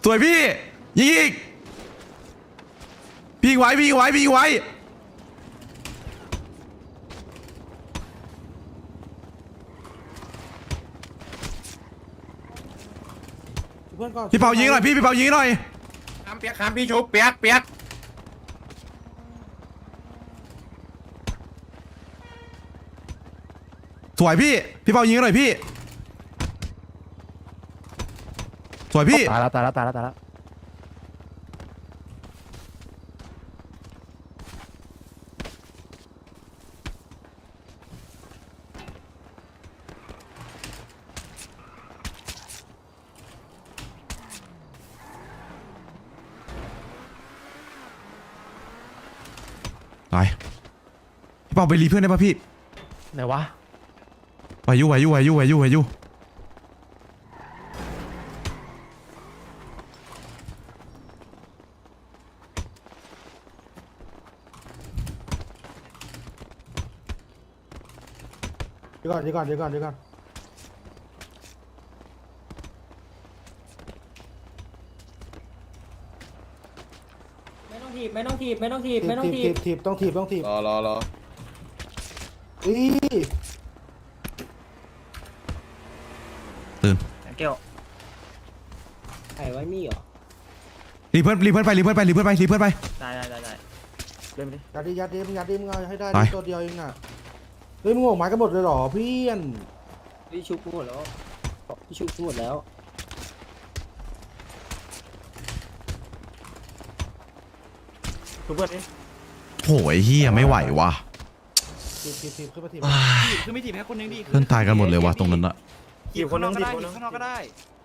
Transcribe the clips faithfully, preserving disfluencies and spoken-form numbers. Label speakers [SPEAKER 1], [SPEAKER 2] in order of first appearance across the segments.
[SPEAKER 1] สวยพี่ยิงอีกพี่ไว้พี่ไว้พี่ไว้พี่เปายิงหน่อยพี่พี่เปายิงหน่อย
[SPEAKER 2] คำเปียกคำพี่ชุบเปียกเปียก
[SPEAKER 1] สวยพี่พี่เปายิงหน่อยพี่สวยพี่
[SPEAKER 3] ตายแล้วตายแล้วตายแล้วตายแล้ว
[SPEAKER 1] ไปพี่เปาไปรีเพื่อนได้ป่ะพี่
[SPEAKER 3] ไหนวะ
[SPEAKER 1] ไหวอยู่ไหวอยู่ไหวอยู่ไหวอยู่ไหวอยู่
[SPEAKER 4] เดี๋ยวก่อนเดี๋ยวก่อนเดี๋ยวก่อนเดี๋ยวก่อน
[SPEAKER 5] ไม่ต้องถีบไม่ต้องถีบไม่ต้องถีบไม่ต้องถี
[SPEAKER 4] ถี
[SPEAKER 5] บบ
[SPEAKER 4] ถีบต้องถีบต้องถีบ
[SPEAKER 2] รอรอรอ
[SPEAKER 4] อี
[SPEAKER 1] ตื่น
[SPEAKER 3] เกี่ยว
[SPEAKER 5] ไอ้ไว้มีเหรอ
[SPEAKER 1] รีเพื่อนรีเพื่อนไปรีเพื่อนไปรีเพื่อนไปรีเพื่อนไป
[SPEAKER 3] ได้ได้ได้ได้เล่นไปดิ
[SPEAKER 4] ยัดดิยัดดิมึงยัดดิมึงเอาให้ได้
[SPEAKER 1] ไป
[SPEAKER 4] ตัวเดียวเองอ่ะเฮ้ยมึงออกหมายกันหมดเลยเหรอเพื่อน
[SPEAKER 5] พี่ชุบหมดแล้วพี่ชุบหมดแล้ว
[SPEAKER 3] ทุบเพื่อนดิ
[SPEAKER 1] โหยเฮียไม่ไหวว่ะ
[SPEAKER 4] ถีบถีบถีบขึ้นมาถีบ
[SPEAKER 6] คือไม่ถีบแค่คนนึงดิ
[SPEAKER 1] เพื่อนตายกันหมดเลยว่ะตรงนั้นอะ
[SPEAKER 3] ถีบคนนึง
[SPEAKER 6] ก็
[SPEAKER 3] ถีบ
[SPEAKER 6] ได้
[SPEAKER 3] คนนึง
[SPEAKER 6] ข้างนอกก็ได้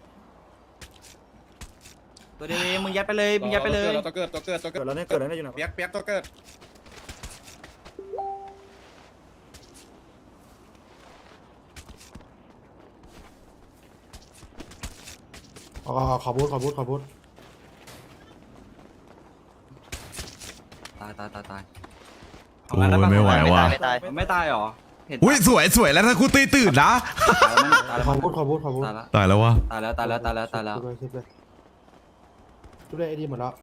[SPEAKER 6] ตัวเดียวเองมึงยัดไปเลยมึงยัดไปเลย
[SPEAKER 2] ตัวเกิดตัวเกิดตัวเกิ
[SPEAKER 3] เกิ
[SPEAKER 2] ด
[SPEAKER 3] ดแล้วเนี่ยเกิดแล้วเนี่ยอยู่ไหน
[SPEAKER 2] เปียกเปียกตัวเกิด
[SPEAKER 4] อ๋อขอบูทขอบูทขอบูท
[SPEAKER 6] ตายตายตายตาย
[SPEAKER 1] โอ้ยไม่ไหวว่ะ
[SPEAKER 6] ไม่ตายไม่ตายหรอเห็น
[SPEAKER 1] อุ้ยสวยสวยแล้วถ้ากูตีตื่นนะ
[SPEAKER 6] ตายแล้วตายแล้ว
[SPEAKER 4] ขอบูทขอบูทขอบูท
[SPEAKER 6] ตายแล้ว
[SPEAKER 1] ตายแล้ววะ
[SPEAKER 6] ตายแล้วตายแล้วตายแล้วตายแล้ว
[SPEAKER 4] ชุบเลยชุบเลยชุบเลยไอ้ดีหมดแล้ว